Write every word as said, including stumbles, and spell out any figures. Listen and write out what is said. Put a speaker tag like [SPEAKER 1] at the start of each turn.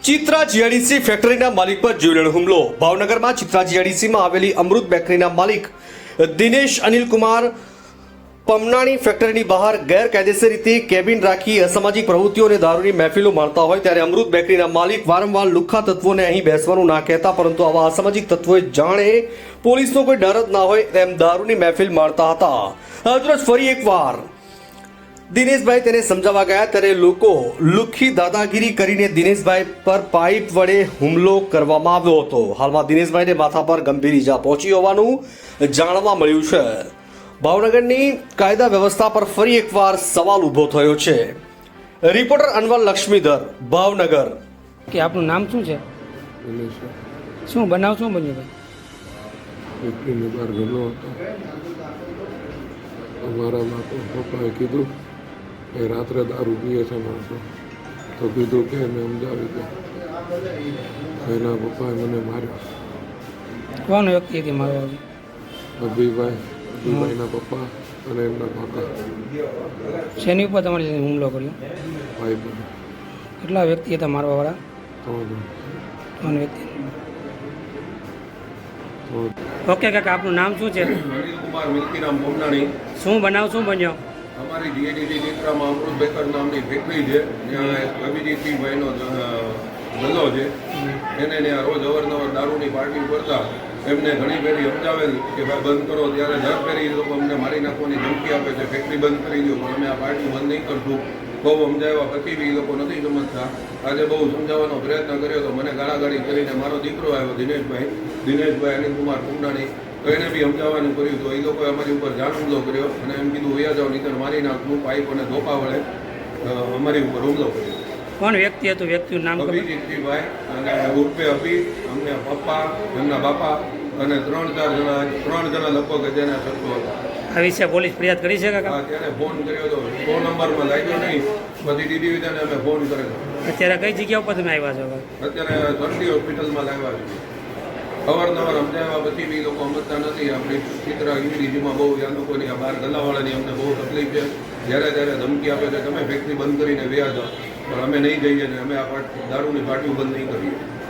[SPEAKER 1] Chitra GIDC ફેક્ટરીના માલિક પર જીવલેણ હુમલો. ભાવનગરમાં ચિત્રા જીઆઈડીસીમાં આવેલી અમૃત બેકરીના માલિક દિનેશ અનિલકુમાર પમનાણી ફેક્ટરીની બહાર ગેરકાયદેસર રીતે કેબિન રાખી અસામાજિક પ્રવૃત્તિઓ અને દારૂની મહેફિલો માણતા હોય ત્યારે અમૃત બેકરીના માલિક વારંવાર લુખ્ખા તત્વોને અહીં બેસવાનું ના કહેતા, પરંતુ આવા અસામાજિક તત્વોએ જાણે પોલીસનો કોઈ ડર જ ના હોય તેમ દારૂની મહેફિલ માણતા હતા. આજરોજ ફરી એકવાર દિનેશભાઈ તેને સમજાવવા ગયા ત્યારે લોકો લુખ્ખી દાદાગીરી કરીને દિનેશભાઈ પર પાઇપ વડે હુમલો કરવામાં આવ્યો હતો. હાલમાં દિનેશભાઈને માથા પર ગંભીર ઈજા પહોંચી હોવાનું જાણવા મળ્યું છે. ભાવનગરની કાયદા વ્યવસ્થા પર ફરી એકવાર સવાલ ઊભો થયો છે. રિપોર્ટર અનવર લક્ષ્મીધર, ભાવનગર.
[SPEAKER 2] કે આપનું નામ શું છે? શું બનાવ શું બન્યું ભાઈ?
[SPEAKER 3] ફેક્ટરીની બહાર ગયેલો હતો. અમારા માતા પપ્પાએ કીધું કે રાત્રે દારૂ પીએ છે માણસો, તો કીધું કે મેં સમજાવી દે. એના પપ્પાએ મને માર્યો.
[SPEAKER 2] કોણ વ્યક્તિ હતી મારો?
[SPEAKER 3] અભિભાઈ અભિભાઈના પપ્પા અને એમના કાકા.
[SPEAKER 2] શેની ઉપર તમારી સાથે હુમલો કર્યો?
[SPEAKER 3] ભાઈ બહેન
[SPEAKER 2] કેટલા વ્યક્તિ હતા મારવાવાળા?
[SPEAKER 3] ત્રણ જણ.
[SPEAKER 2] ત્રણ વ્યક્તિ.
[SPEAKER 3] ત્રણ
[SPEAKER 2] ઓકે કાકા, આપનું નામ શું છે?
[SPEAKER 4] અનિલકુમાર મિલકીરામ પમનાણી.
[SPEAKER 2] શું બનાવ શું બન્યો?
[SPEAKER 4] અમારી જીઆઈડીસી ચિત્રામાં અમૃત બેકર નામની ફેક્ટરી છે. ત્યાં અભિજીતભાઈનો ધંધો છે. એને ત્યાં રોજ અવારનવાર દારૂની પાર્ટી કરતા એમને ઘણી ફેરી સમજાવેલ કે ભાઈ બંધ કરો, ત્યારે દર ફેરી એ લોકો અમને મારી નાખવાની ધમકી આપે છે, ફેક્ટરી બંધ કરી દો, પણ અમે આ પાર્ટી બંધ નહીં કરશું. બહુ સમજાવ્યા પછી બી એ લોકો નથી સમજતા. આજે બહુ સમજાવવાનો પ્રયત્ન કર્યો તો મને ગાળાગાળી કરીને મારો દીકરો આવ્યો દિનેશભાઈ દિનેશભાઈ અનિલકુમાર પુમનાણી, તો એને બી સમજાવવાનું કર્યું. તો એ લોકોએ અમારી ઉપર જાણ હુમલો કર્યો અને એમ કીધું વૈયા જાઓ નીકળ મારી નાખવું. પાઇપ અને ધોપા વડે અમારી ઉપર હુમલો કર્યો.
[SPEAKER 2] કોણ વ્યક્તિ હતું? વ્યક્તિનું નામ ખબર?
[SPEAKER 4] અભિજીતભાઈ અને ઉર્ફે અભી, અમને પપ્પા, એમના બાપા અને ત્રણ ચાર જણા ત્રણ જણા લગભગ જેને શત્રુ હતા.
[SPEAKER 2] આ વિશે પોલીસ ફરિયાદ કરી છે કાકા?
[SPEAKER 4] હા, ત્યારે ફોન કર્યો હતો, ફોન નંબરમાં લાગ્યો નહીં, પછી ડીડી વિધાને અમે ફોન કરેલો.
[SPEAKER 2] અત્યારે કઈ જગ્યા ઉપર તમે આવ્યા છો?
[SPEAKER 4] અત્યારે સરટી હોસ્પિટલમાં લાવ્યા છે. અવારનવાર સમજાવ્યા પછી બી લોકો સમજતા નથી. આપણી ચિત્રા યુડીજીમાં બહુ આ લોકોની આ બાર ગલ્લાવાળાની અમને બહુ તકલીફ છે. જ્યારે ત્યારે ધમકી આપે છે તમે ફેક્ટરી બંધ કરીને વ્યા જાઓ, પણ અમે નહીં જઈએ ને અમે આ દારૂની પાર્ટીઓ બંધ નહીં કરીએ.